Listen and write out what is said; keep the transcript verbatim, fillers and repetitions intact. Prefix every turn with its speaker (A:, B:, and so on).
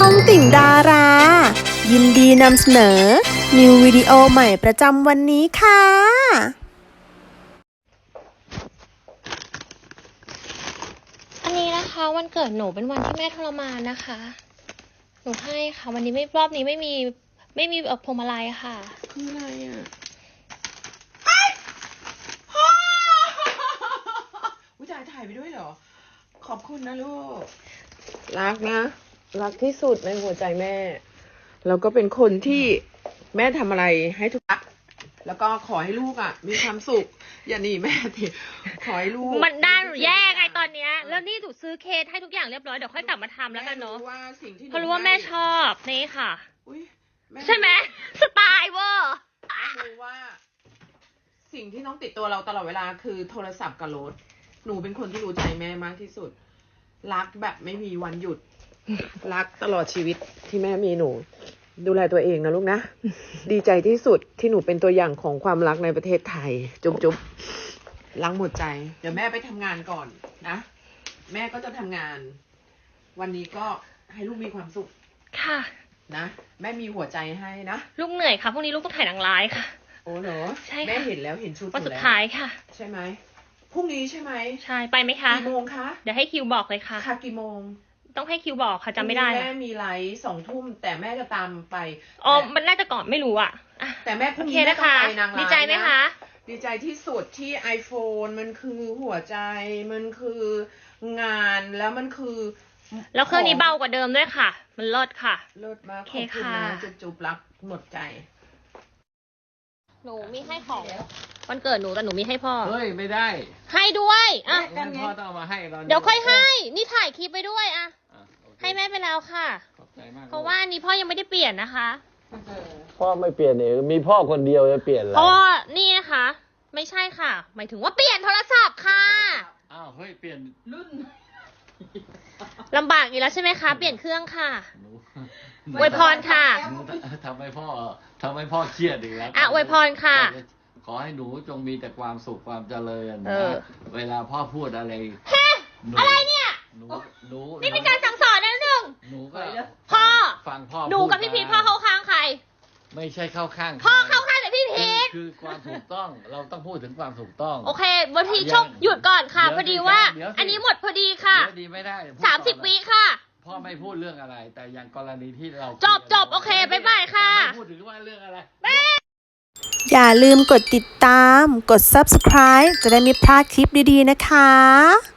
A: องติ่งดารา ยินดีนำเสนอนิววิดีโอใหม่ประจำวันนี้ค่ะ
B: อันนี้นะคะวันเกิดหนูเป็นวันที่แม่ทรมานนะคะ หนูให้ค่ะวันนี้ไม่รอบนี้ไม่มีไม่มีเอ่อพวงมาลัยค่ะ
C: คืออะไรอ่ะอุ้ยถ่ายถ่ายไปด้วยเหรอขอบคุณนะลูกรักนะรักที่สุดในหัวใจแม่แล้วก็เป็นคนที่แม่ทำอะไรให้ทุกอย่างแล้วก็ขอให้ลูกอ่ะมีความสุขอย่าหนีแม่ทีขอให้ลูก
B: มันได้แย่ไงตอนเนี้ยแล้วนี่ถูกซื้อเค้กให้ทุกอย่างเรียบร้อยเดี๋ยวค่อยกลับมาทำแล้วกันเนาะเพราะรู้ว่าแม่ชอบนี่ค่ะใช่ไหมสไตล์เวอร์
C: รู้ว่าสิ่งที่น้องติดตัวเราตลอดเวลาคือโทรศัพท์กับรถหนูเป็นคนที่รู้ใจแม่มากที่สุดรักแบบไม่มีวันหยุดรักตลอดชีวิตที่แม่มีหนูดูแลตัวเองนะลูกนะดีใจที่สุดที่หนูเป็นตัวอย่างของความรักในประเทศไทยจุ๊บจุ๊บรักหมดใจเดี๋ยวแม่ไปทำงานก่อนนะแม่ก็จะทำงานวันนี้ก็ให้ลูกมีความสุข
B: ค่ะ
C: นะแม่มีหัวใจให้นะ
B: ลูกเหนื่อยค่ะพรุ่งนี้ลูกต้องถ่ายหนังร้ายค่ะ
C: โอ้เหรอ
B: ใช่
C: แม่เห็นแล้วเห็นชุด
B: วันสุดท้ายค่ะ
C: ใช่ไหมพรุ่งนี้ใช่ไหม
B: ใช่ไปไหมคะ
C: กี่โมงคะ
B: เดี๋ยวให้คิวบอกเลยค่ะ
C: ค่ะกี่โมง
B: ต้องให้คิวบอกค่ะจำไม่ได้
C: แม่มีไลฟ์สองทุ่มแต่แม่จะตามไป
B: อ๋อมันน่าจะก่อนไม่รู้อ่ะ
C: แต่แม่พรุ่งนี้แม่ต้องไปนางร้าย
B: ดีใจไหมคะ
C: ดีใจที่สุดที่ iPhone มันคือหัวใจมันคืองานแล้วมันคือ
B: แล้วเครื่องนี้เบากว่าเดิมด้วยค่ะมันเลิศค่ะ
C: เลิศมากขอบคุณนะจุ๊บๆรักหมดใจ
B: หนูมีให้ของวันเกิดหนูแต่หนูมีให้พ่อ
D: เฮ้ยไม่ได้
B: ให้ด้วยอ่ะ
D: พ่อต้องเอามาให้เรา
B: เดี๋ยวค่อยให้นี่ถ่ายคลิปไปด้วยอ่ะให้แม่ไปแล้วค่ะ
D: ขอบใจมาก
B: เพราะว่านี้พ่อยังไม่ได้เปลี่ยนนะคะ
D: พ่อไม่เปลี่ยนเองมีพ่อคนเดียวจะเปลี่ยนอะไร
B: พ่อนี่นะคะไม่ใช่ค่ะหมายถึงว่าเปลี่ยนโทรศัพท์ค่ะ
D: อ้าวเฮ้ยเปลี่ยนรุ่น
B: ลำบากอีกแล้วใช่ไหมคะเปลี่ยนเครื่องค่ะอวยพรค่ะ
D: ทำให้พ่อทำให้พ่อเครียดอีกแล้ว
B: อ่ะอวยพรค่ะ
D: ขอให้หนูจงมีแต่ความสุขความเจริญนะเวลาพ่อพูดอะไร
B: อะไรเนี่ย
D: หนูหนู
B: นี่เป็นการสั่งสอนนะหนึ่ง
D: หนูก็
B: พ่อ
D: ฟังพ่อ
B: หนูกับพี่พีทพ่อเข้าข้างใคร
D: ไม่ใช่เข้าข้าง
B: พ่อเข้าข้างแต่พี่พีท
D: คือความถูกต้องเราต้องพูดถึงความถูกต้อง
B: โอเควันทีชกหยุดก่อนค่ะพอดีว่าอันนี้หมดพอดีค่ะ
D: ดีไม่ได้
B: สามสิบวิค่ะ
D: พ่อไม่พูดเรื่องอะไรแต่อย่างกรณีที่เรา
B: จบจบโอเคบ๊ายบายค่ะ
D: พูดถึงว่าเรื่องอะไร
A: อย่าลืมกดติดตามกด ซับสไครบ์ จะได้ไม่พลาดคลิปดีๆนะคะ